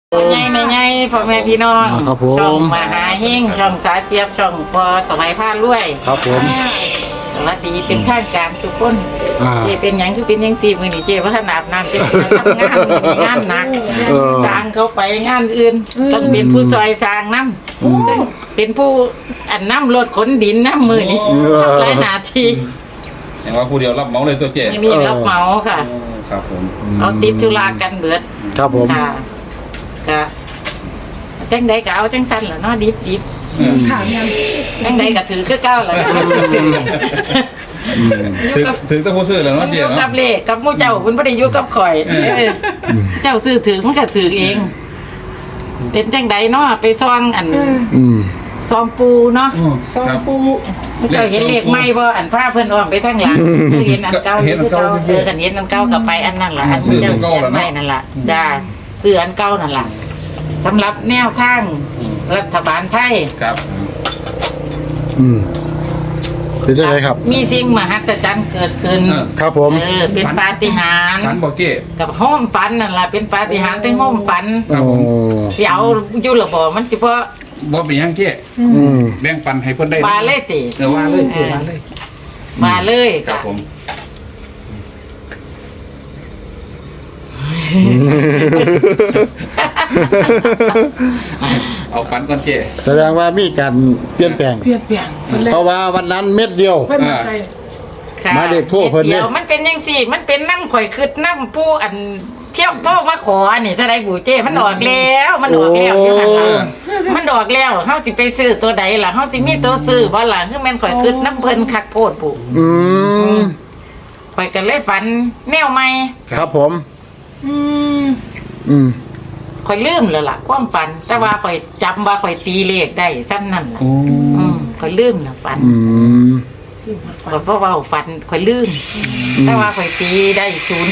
ใหญ่ไม่ใหญ่พ่อแม่พี่น้องช่องมหาเฮงช่องสาเจี๊ยบช่องพอสมัยผ้ารวยครับผมสวัสดีเป็นทางการสุขคนเจเป็นยังคือเป็นยังสี่มือนี่เจว่าขนาดนั้นเจทำงานงานหนักสร้างเขาไปงานอื่นต้องเป็นผู้ซอยสร้างน้ำเป็นผู้อันน้ำรถขนดินน้ำมือนี่ทำหลายนาทีอย่างว่าผู้เดียวรับเหมาเลยตัวเจ๊ไม่มีรับเหมาค่ะครับผมเอาติดธุระกันเบิดครับผมค่ะก็จังใดก็เอาจังสั้นแหละเนาะดิบจังใดก็ถือคือเก้าแหละถือต้องผู้ซื้อแล้วเนาะเจ๊เนาะกับเลขกับมู่เจ้าคุณบ่ได้อยู่กับข่อยเจ้าซื้อถือมันก็ถือเองเป็นจังใดเนาะไปซองอันซองปูเนาะซองปูเจ้าเห็นเลขไหมบ่อันผ้าเพิ่นอ้อมไปทางหลังเห็นอันเก่าอยู่คือเก่ากันเห็นอันเก่าก็ไปอันนั้นล่ะอันเจ้าเขียนไว้นั่นล่ะจ้าซื้ออันเก่านั่นล่ะสำหรับแนวทางรัฐบาลไทยครับเป็นยังไงครับมีสิ่งมหัศจรรย์เกิดขึ้นครับผมเป็นปาฏิหาริย์ฝันบอกเจ๊กับห้องฝันนั่นล่ะเป็นปาฏิหาริย์ทั้งห้องฝันสิเอาอยู่ระบ่มันสิบ่เป็นยังเจ๊แบ่งปันให้เพิ่นได้มาเลยติว่าเลยมาเลยครับผมเอาฟันก่อนเจ๊แสดงว่ามีการเปลี่ยนแปลงเพราะว่าวันนั้นเม็ดเดียวมาเด็กทั่วเพิ่นเนี่ยมันเป็นยังสี่มันเป็นน้ำข่อยคืดน้ำผู้อันเที่ยวโทษมาขอนี่จะได้บูเจ้มันออกแล้วมันออกแล้วอยู่หันหลังมันออกแล้วเฮาสิไปซื้อตัวใดล่ะเฮาสิมีตัวซื้อบ่ล่ะคือแม่นข่อยคืดน้ำเพิ่นคักโพดปู่ข่อยก็เลยฝันแนวใหม่ครับผมข่อยลืมแล้วล่ะความฝันแต่ว่าข่อยจำว่าข่อยตีเลขได้ซ้ำนั่นล่ะข่อยลืมแล้วฝันเพราะว่าฝันข่อยลืมแต่ว่าข่อยตีได้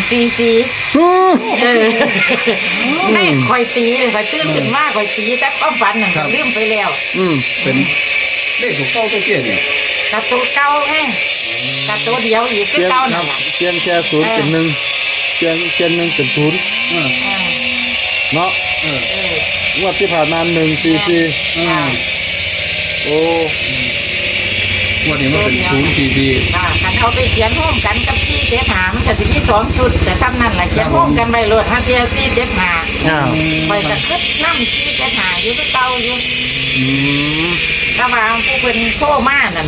044ไม่ข่อยตีเลยข่อยตื่นขึ้นมาข่อยตีแต่ความฝันนั่นลืมไปแล้วเป็นเลขถูกเก้าตัวเจ๊เนี่ยกระตัวเก้าไงกระตัวเดียวอีกคือเก้านั่นเปลี่ยนแค่0เป็น1เปลี่ยน1เป็น0เนาะงวดที่ผ่านมา144โอ้งวดนี้มันเป็น044 คันเอาไปเขียนร่วมกันกับ475มันก็สิมี2ชุดแต่ซ้ำนั่นแหละเขียนร่วมกันไว้โลด5เที่ย475ไปจะคึดน้ำ475อยู่คือเก่าอยู่ถ้าว่าผู้เพิ่นโทรมานั่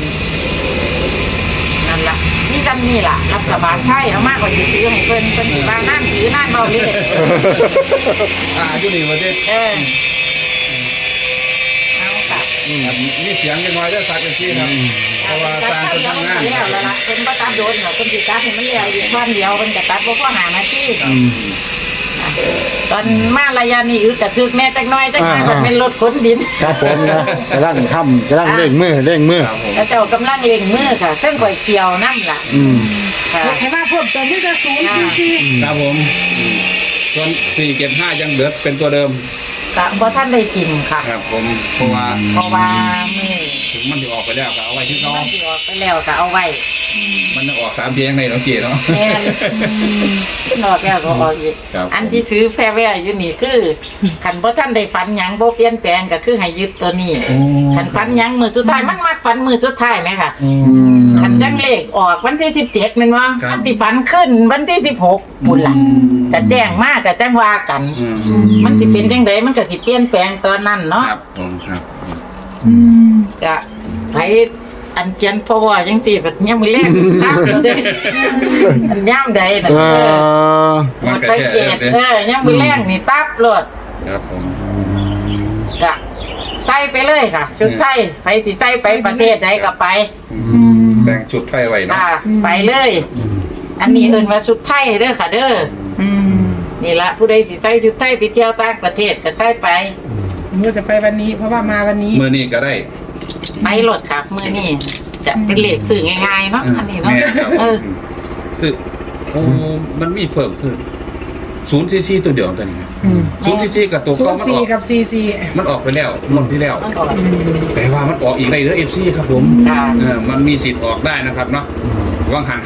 นล่ะนี่จำนี่ล่ะรัฐบาลไทยเอามากกว่าสิซื้อให้เพิ่นสิว่านั่นถือนั่นเบาเลยอยู่นี่ว่าเด็ดเอาค่ะมีเสียงกันน้อยได้สักกันทีครับเพราะว่าสร้างเป็นทำงานแล้วล่ะเป็นประตัดโดนเหรอเป็นสิตัดให้มันเลี้ยวอยู่ท่อนเดียวเป็นกระตัดบ่พอหานาทีตอนมาระยะนี้อึดกระทึกแม่จักน้อยมันเป็นรถขนดินครับผมนะกำลังเร่งมือแล้วเจ้ากำลังเร่งมือค่ะเครื่องก๋วยเตี๋ยวน้ำล่ะให้มาเพิ่มเติมที่จะ044 ครับผมส่วน475ยังเหลือเป็นตัวเดิมเพราะท่านได้กินค่ะครับผมเพราะว่าถึงมันจะออกไปแล้วก็เอาไว้ที่น้องมันจะออกไปแล้วก็เอาไว้มันออก3เพียงในน้องเกียร์เนาะแม่นออกแล้วก็ออกอีกอันที่ถือแพร่แว่อยู่นี่คือขันเพราะท่านได้ฝันยังโบเปลี่ยนแปลงก็คือให้ยึดตัวนี้ขันฝันยังมือสุดท้ายมันมักฝันมือสุดท้ายไหมค่ะขันจังเลขออกวันที่17มันว่ามันสิฝันขึ้นวันที่16บุญล่ะแต่แจ้งมากกับแจ้งว่ากันมันสิเป็นจังไดมันก็สิเปลี่ยนแปลงตอนนั้นเนาะครับครับก็ไผอันเจียนเพราะว่าจังซี่แบบยังมือแรกตับเลยอันย่ำใดน่ะหมดไปเกตยังมือแรกนี่ตับโลดครับผมก็ใส่ไปเลยค่ะชุดไทยไผสิใส่ไปประเทศใดก็ไปแต่งชุดไทยไว้เนาะไปเลยอันนี้เอิ้นว่าชุดไทยเด้อค่ะเด้อนี่ละผู้ใดสิใส่ชุดไทยไปเที่ยวต่างประเทศก็ใส่ไปเราจะไปวันนี้เพราะว่ามาวันนี้มื้อนี้ก็ได้ไปโหลดครับมื้อนี้จะเป็นเลขสื่อง่ายๆเนาะอันนี้เนาะสื่อมันมีเพิ่มขึ้น044ตัวเดียวตอนนี้044กับตัวก็มันออกกับ44 มันออกไปแล้วหมดที่แล้วแต่ว่ามันออกอีกได้เด้อ FC ครับผมมันมีสิทธิ์ออกได้นะครับเนาะวังหัน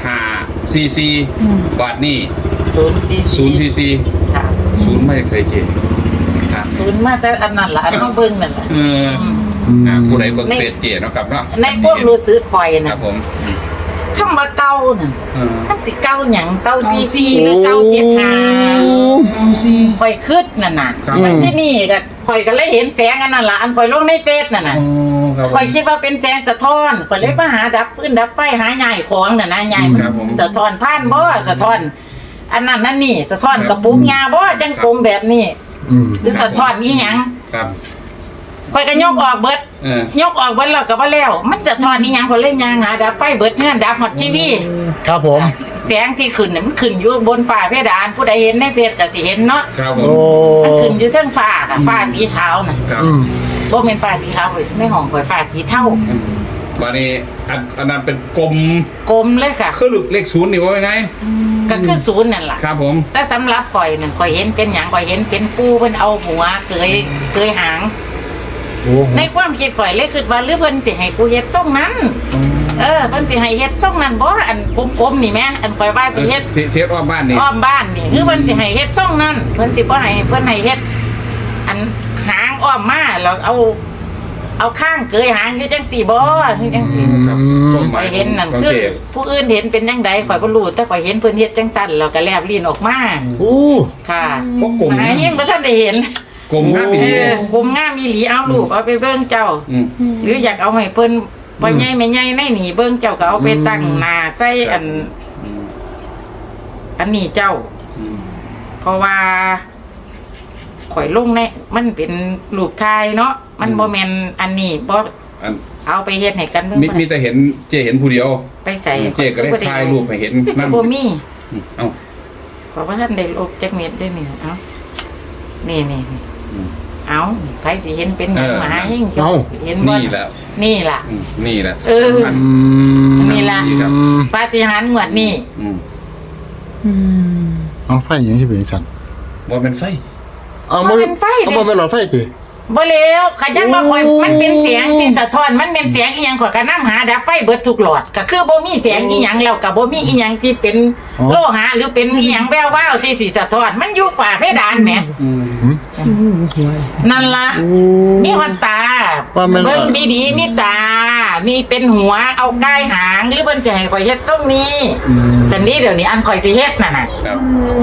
54บาทนี่044 0ไม่ใส่เกณฑ์ศูนย์มาแต่อันนั้นล่ะอันเฮาเบิ่งนั่นล่ะผู้ใดเบิ่งเฟซเจเนาะครับเนาะในความรู้สึกข่อยคน่ะรับผมคำว่าเก่าน่ะเออมันสิเก่าหยังเก่าซีหรือเก่า75 เอาสิข่อยคิดนั่นน่ะมันที่นี่ก็ข่อยก็เลยเห็นแสงอันนั้นล่ะอันข่อยลงในเฟซนั่นน่ะโอ้ครับผมข่อยคิดว่าเป็นแสงสะท้อนข่อยเลยมาหาดับฟืนดับไฟหาใหญ่ของน่ะนะใหญ่ครับผมสะท้อนผ่านบ่สะท้อน อันนั้นนั่นนี่สะท้อนกระปุกยาบ่จังกลมแบบนี้อืมหรือสะท้อนอีหยังครับข่อยก็ยกออกเบิด ยกออกเบิดแล้วก็บ่แล้ว มันสะท้อนอีหยังข่อยเลยยางหาดับไฟเบิดเฮือนดับฮอตทีวีครับผมแสงที่ขึ้นน่ะมันขึ้นอยู่บนฟ้าเพดานผู้ใดเห็นในเฟซก็สิเห็นเนาะครับผโอ้มมันขึ้นอยู่เทิงฟ้าค่ะฟ้าสีขาวน่ะครับอืมบ่แม่นฟ้าสีขาวเว้ยในห้องข่อยฟ้าสีเทาวันนี้อันนั้นเป็นกลมกลมเลยค่ะคือเลขศูนย์นี่ว่าไงก็คือศูนย์นั่นล่ะครับผมแต่สำหรับข่อยนั่นข่อยเห็นเป็นหยังข่อยเห็นเป็นปูเพิ่นเอาหัวเกยหางโอ้ในความคิดข่อยเลยคิดว่าหรือเพิ่นสิให้กูเฮ็ดทรงนั้น เพิ่นสิให้เฮ็ดทรงนั้นบ่อันกลมๆนี่แหมอันข่อยว่าสิเฮ็ดเสียอ้อมบ้านนี่อ้อมบ้านนี่คือเพิ่นสิให้เฮ็ดทรงนั้นเพิ่นสิบ่ให้เพิ่นให้เฮ็ดอันหางอ้อมมาแล้วเอาข้างเกยหางอยู่จังสี่บ่คือจังสี่ครับข่อยเห็นนั่นของคือเจผู้อื่นเห็นเป็นจังใดข่อยบ่รู้แต่ข่อยเห็นเพิ่นเฮ็ดจังซั่นแล้วก็แลบลิ้นออกมาโอ้ค่ะพวกกลมหายังบ่ทันได้เห็นกลมห้าปีกลมงามอีหลีเอาลูกเอาไปเบิ่งเจ้า หรืออยากเอาให้เพิ่นบ่ใหญ่ไม่ใหญ่ในนี่เบิ่งเจ้าก็เอาไปตั้งหน้าใส่อันนี้เจ้า เพราะว่าข่อยลงในมันเป็นรูปถ่ายเนาะมันบ่แม่นอันนี้บ่เอาไปเฮ็ดให้กันเบิ่งมีแต่เห็นเจเห็นผู้เดียวไปใส่เจก็ได้ถ่ายรูปให้เห็นนั่นั่นนบ่มีเอ้าเพราะว่าท่านได้ลบจักเม็ดได้นี่เอ้านี่เอาไผสิเห็นเป็นหยังมาหายิ่งเห็นบ่นี่แหละนี่ล่ะนี่แหละเอออันนี่ล่ะครับปาฏิหาริย์งวดนี้เอาไฟอย่างที่เป็นสั่นว่าเป็นไฟเอาบ่เป็นหลอดไฟติบ่แล้วขยังว่าข่อยมันเป็นเสียงที่สะท้อนมันเป็นเสียงอีหยังข่อยก็นำหาดับไฟเบิดทุกหลอดก็คือบ่มีเสียงอีหยังแล้วก็บ่มีอีหยังที่เป็นโลหะหรือเป็นอีหยังแวววาวที่สิสะท้อนมันอยู่ฝ้าเพดานแหมนั่นล่ะมีหัวตาเบิ่งดีๆมีตา มีเป็นหัวเอาก้ายหางหรือเพิ่นสิให้ข่อยเฮ็ดทรงนี้สันนี้เดี๋ยวนี้อันข่อยสิเฮ็ดนั่นน่ะครับ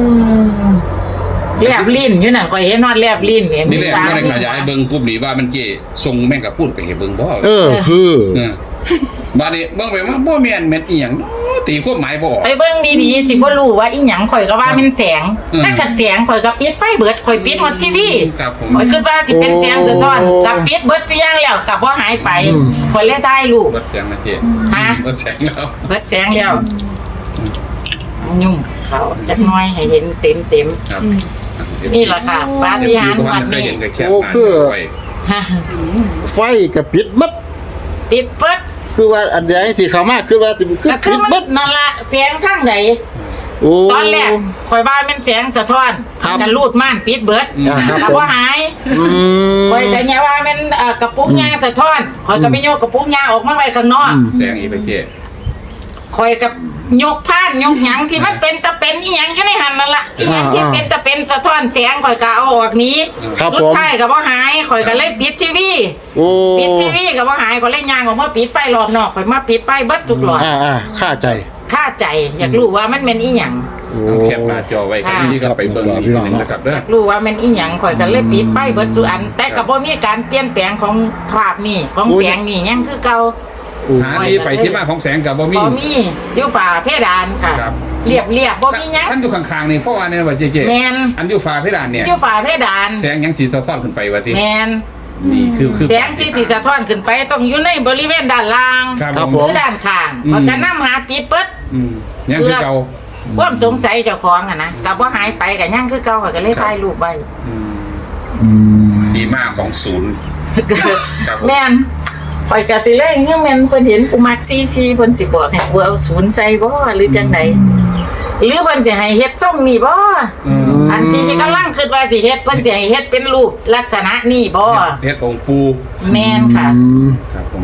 แลบลิ้นอยู่นั่นข่อยเห็นนอนแลบลิ้นเห็นนี่แหละไม่ได้ขยายเบิ่งกลุ่มนี้ว่ามันเจทรงแม่งกับพูดไปให้เบิ่งบ่คือบ้านนี้เบิ่งไปว่าบ่แม่นแม่นอีหยังตีความหมายบ่ออกไปเบิ่งดีๆสิบ่รู้ว่าอีหยังข่อยก็ว่าเป็นแสงถ้าขัดแสงข่อยก็ปิดไฟเบิดข่อยปิดฮอตทีวีครับผมข่อยคิดว่าสิเป็นแสงสะท้อนกับปิดเบิดซุอย่างแล้วก็บ่หายไปข่อยเลยได้ลูกเบิดเสียงนะเจฮะเบิดเสียงแล้วเบิดแสงแล้วยุ่งเขาจักหน่อยให้เห็นเต็มครับๆนี่ล่ะค่ะปาฏิหาริย์วันนี้ ฮะไฟกับปิดมัดปิดเบิดคือว่าอันใดสิเข้ามาคือว่าสิคือก็คืปิอดมันมัดนั่นล่ะเสียงทางใดโอ้ตอนแรกข่อยว่ามันแสงสะท้อนครับกันรูดม่านปิดเบิดครับก็บ่หาย ข่อยก็เนี่ยว่ามันกระปุกยาสะท้อนข่อยก็ไปโยกกระปุกยาออกมาไว้ข้างนอกเสียงอีไปเจข่อยกับยกผ้านยกหยังที่มันเป็นตะเป็นอีหยังอยู่ในหันนั่นล่ะอีหยังที่เป็นตะเป็นสะท้อนแสงข่อยก็เอาออกนี้ครับสุผดมท้ายก็บ่หายข่อยก็เลยปิดทีวีโอ้ปิดทีวีก็บ่หายข่อยเลยย่างออกมาปิดไฟรอบนอกข่อยมาปิดไฟเบิดทุกหลอดค่าใจค่าใจอยากรู้ว่ามันเป็นอีหยังเอาแคปหน้าจอไว้ครับนี่ก็ไปเบิ่งอีกนึงนะครับเด้อรู้ว่ามันอีหยังข่อยก็เลยปิดไฟเบิดสุอัน แต่ก็บ่มีการเปลี่ยนแปลงของภาพนี่ของแสงนี่ยังคือเก่าหาที่ไปที่มาของแสงกับบ่มีบ่มีอยู่ฝาเพดานค่ะครับเรียบบ่มีหยังท่านอยู่ข้างๆนี่เพราะว่าเนี่ยว่าเจแม่นอันอยู่ฟ้าเพดานเนี่ยอยู่ฝาเพดานแสงยังสีสะท้อนขึ้นไปว่าที่แม่นนี่คือแสงที่สิสะท้อนขึ้นไปต้องอยู่ในบริเวณด้านล่างครับหรือด้านข้างเพราะก็นำหาปิดเบิดยังคือเก่าความสงสัยเจ้าของอ่ะนะก็บ่หายไปก็ยังคือเก่าก็เลยถ่ายรูปไว้ที่มาของศูนย์ ครับผมแม่นข่อยก็สิเล่นเงื่อแม่นเพิ่นเห็นกูมักซีเพิ่นสิบอกให้กูเอาศูนย์ใส่บ่หรือจังไดหรือเพิ่นสิให้เฮ็ดทรงนี่บ่อันที่กำลังคิดว่าสิเฮ็ดเพิ่นสิให้เฮ็ดเป็นรูปลักษณะนี้บ่เฮ็ดองค์ปูแม่นค่ะครับผม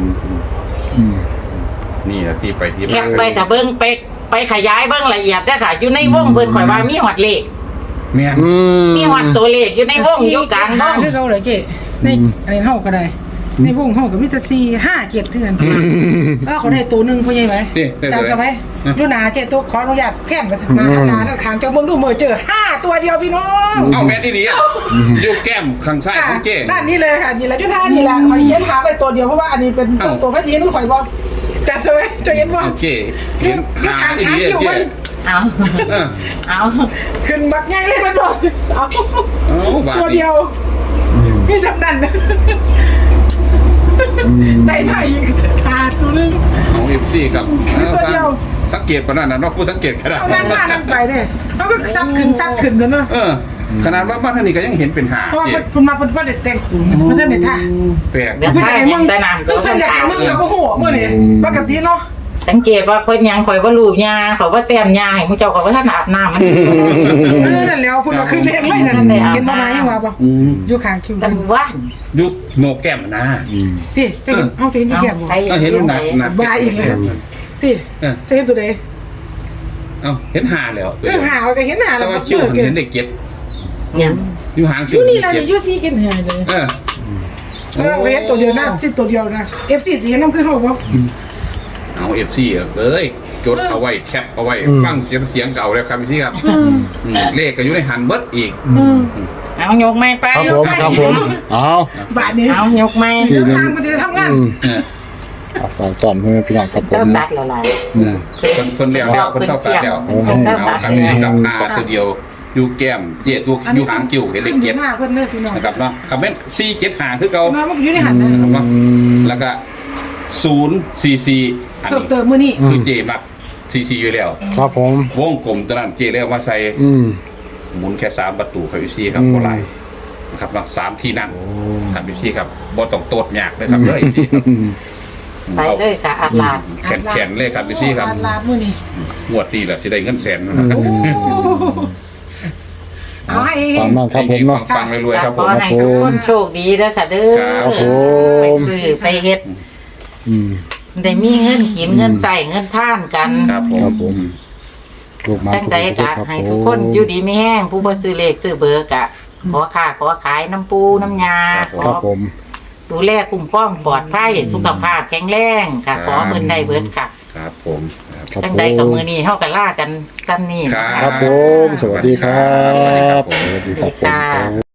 นี่แหละที่ไปที่มาแคปไปถ้าเบิ่งไปขยายเบิ่งละเอียดเด้อค่ะ อยู่ในวงเพิ่นข่อยว่ามีฮอดเลขแม่นมีวัดตัวเลขอยู่ในวงอยู่กลางวหาง คือเขาเลยเจ๊ในอันนี้เฮาก็ได้ในวงเฮาก็มีแต่4 5 7เท่านั้นแล้วเขาได้ตัวนึงพ่อใหญ่ไหมจำซะไว้ดูหนาเจ๊ตัวขออนุญาตแค่นก็หนาแล้วขางเจ้าเบิ่งดูมือเจอ5ตัวเดียวพี่น้องเอ้าแม่นอีหลีอ่ะอยู่แก้มข้างซ้ายของเจ๊ด้านนี้เลยค่ะนี่แหละยุทธานี่แหละข่อยเขียนหาไปตัวเดียวเพราะว่าอันนี้เป็นตัวพระจีนข่อยบอกจัดซะไว้จะเห็นบ่เจ๊เห็นยุทธาอีขาหลีคิวเจ๊มันเอาเออเอาขึ้นบักใหญ่เลยมันบอกเอาเอาบาดตัวนี้เดียวนี่จำนั่นได้มาอีกตัวนึงเอา FC ครับตัวเดียวสังเกตปานนั้นน่ะเนาะผู้สังเกตขนาดเอานั่นมานั่นไปเนี่ยเขาก็ซัดขึ้นซะเนาะเออขนาดว่าบ้านท่านนี้ก็ยังเห็นเป็นหาเพราะว่าเจ๊คุณมาเพิ่นว่าได้แต่งตัวเพิ่นได้ท่าแปลกเดี๋ยวเพิ่นถ้าได้ยัมึงงแต่น้ำเพิ่นอยากให้มึงกับโอ้โหมื้อนี้ปกติเนาะสังเกตว่าคนยังข่อยว่าลูกยาเขาว่าแต้มยาให้มึงเจ้าก็ว่าท่านอาบน้ำมันนั่นแล้วคุณเอาขึ้นเองเลยนั่นเห็นบ่นายยังว่าบ่อยู่ข้างคิวแต่ว่ายุคโนแก้มนะติจะเห็นเอาจะเห็นที่แก้มบ่เห็นหนักหนักบ้าอีกเลยติจะเห็นตัวใดเอาเห็นหาแล้วหาก็เห็นหาแต่แล้วว่าก็คิวเกิเห็นนได้เก็บยังอยู่หางคิอวยู่นี่ล่ะอยู่ซี่กินหาเลยเออแล้วเห็นตัวเดียวนะสิตัวเดียวนะ FC สีน้ำคือเฮาบ่เอา FC เอ้ยจดเอาไว้แคปเอาไว้ฟังเสียงเก่าแล้วครับพี่ครับเลขก็อยู่ในหันเบิดอีกเอายกไม้ไปครับผมเอาบาทนี้เอายกไม้เดินทางมันจะทำงานเอาฝากตอนเพื่อนพี่น้องครับผเจ้าม ตัดละลายคนเลี้ยงแล้วคนชอบตัดแล้วเจ้าเอาตัดครับนี่กับหาตัวเดียวอยู่แก้มเจี๊ยตัวอยู่หางคิวเห็นได้ขึ้นเก็บมากเพิ่นเลยพี่น้องนะครับเนาะคำเป็น4 7หาคือเก่ามามันอยู่ในหันนะนะครับเนาะแล้วก็044อันเพิ่มนี้เติมมื้อนี้คือเจมัก44อยู่แล้วครับผมวงกลมตอนนั้นเจเรียกว่าใส่ หมุนแค่3ประตูครับพี่ซี่ครับโบราณนะครับเนาะ3ที่นั่งครับพี่ซี่ครับบ่ต้องโตดยากเลยครับเลยพี่ครับไปเลยค่ะอัดลาดแขนเลยครับพี่ซี่ครับลาดมื้อนี้งวดตีแหละสิได้เงินแสนนะครับเอาให้ตามนั้นครับผมเนาะปังรวยๆครับขผอมให้ทุกคนโชคดีแล้วค่ะเด้อครับผมไปซื้อไปเฮ็ดอืมได้มีเงินกินเงินใส่เงินท่านกันครับผครับมผมลูกมาจังใดทุก็ครับให้ทุกคนอยู่ดีมีแห้งผู้บ่ซื้อเลขซื้อเบอร์กะขอค่าขอขายน้ำปูน้ำยาขครัอบผมดูแลคุ้มครองปลอดภัยสุขภาพแข็งแรงค่ะขอเพิ่นได้เบิดค่ะครับผมครับครับจังผใดกับมมื้อนี้เฮาก็ลากันซ้ำนี้ครับครับผม สวัสดีครับ สวัสดีครับผม